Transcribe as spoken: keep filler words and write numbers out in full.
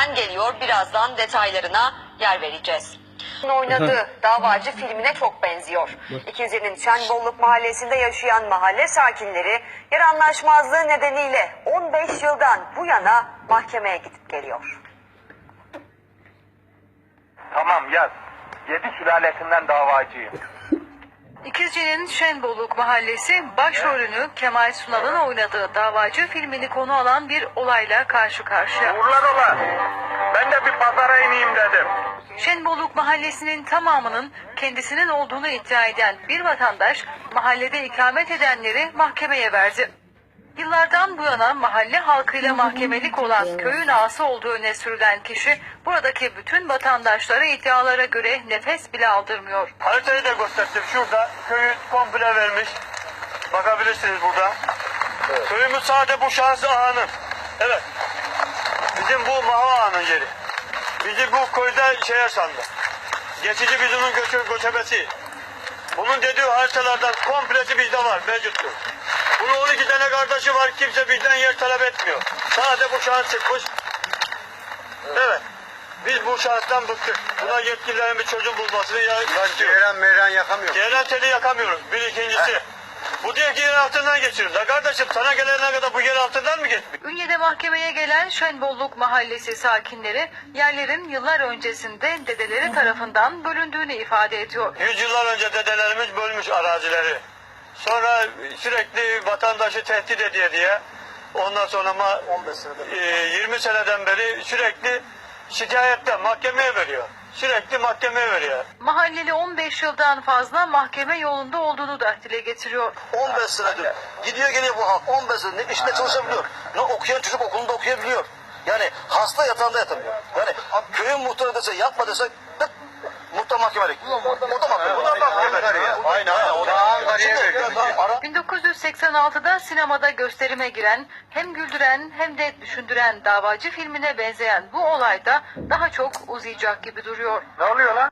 Türk'ten geliyor. Birazdan detaylarına yer vereceğiz. Oynadığı Davacı filmine çok benziyor. İkizce'nin Şenbolluk mahallesinde yaşayan mahalle sakinleri yer anlaşmazlığı nedeniyle on beş yıldan bu yana mahkemeye gidip geliyor. Tamam yaz. Yedi sülalesinden davacıyım. İkizce'nin Şenbolluk mahallesi başrolünü Kemal Sunal'ın oynadığı Davacı filmini konu alan bir olayla karşı karşıya. Uğurlar ola. Ben de bir pazara ineyim dedim. Şenbolluk mahallesinin tamamının kendisinin olduğunu iddia eden bir vatandaş mahallede ikamet edenleri mahkemeye verdi. Yıllardan bu yana mahalle halkıyla mahkemelik olan köyün ağası olduğu öne sürülen kişi buradaki bütün vatandaşlara iddialara göre nefes bile aldırmıyor. Haritayı da gösterdim. Şurada köyü komple vermiş. Bakabilirsiniz burada. Evet. Köyümüz sadece bu şahsı ağanın. Evet. Bizim bu Maha ağanın yeri. Bizi bu köyde şeye sandı. Geçici bizimin göçü, göçebesi. Bunun dediği haritalardan komplesi bizde var, mevcuttur. Bunun on iki tane kardeşi var, kimse bizden yer talep etmiyor. Sadece bu şahıs çıkmış. Evet. Biz bu şahıstan bıktık. Buna yetkililerin bir çözüm bulmasını istiyoruz. Ceyran meyran yakamıyor. Ceyran teli yakamıyoruz. Bir ikincisi. Bu diyor ki yer altından geçirin. La kardeşim sana gelene kadar bu yer altından mı geçmiş? Ünye'de mahkemeye gelen Şenbolluk mahallesi sakinleri yerlerin yıllar öncesinde dedeleri tarafından bölündüğünü ifade ediyor. Yüzyıllar önce dedelerimiz bölmüş arazileri. Sonra sürekli vatandaşı tehdit ediyor diye. Ondan sonra ma e, yirmi seneden beri sürekli şikayette mahkemeye veriyor. Sürekli mahkemeye veriyor. Mahalleli on beş yıldan fazla mahkeme yolunda olduğunu da dile getiriyor. on beş senedir gidiyor geliyor bu halk. on beş senedir ne işte çalışabiliyor. Ne okuyan çocuk okulunda okuyabiliyor. Yani hasta yatağında yatamıyor. Yani köyün muhtarı dese yapma dese tık, muhtar mahkemelik. O da mahkemelik. O da mahkemelik. Aynen aynen. O da Ankara'ya veriyor. bin dokuz yüz seksen altıda sinemada gösterime giren, hem güldüren hem de düşündüren Davacı filmine benzeyen bu olayda daha çok uzayacak gibi duruyor. Ne oluyor lan?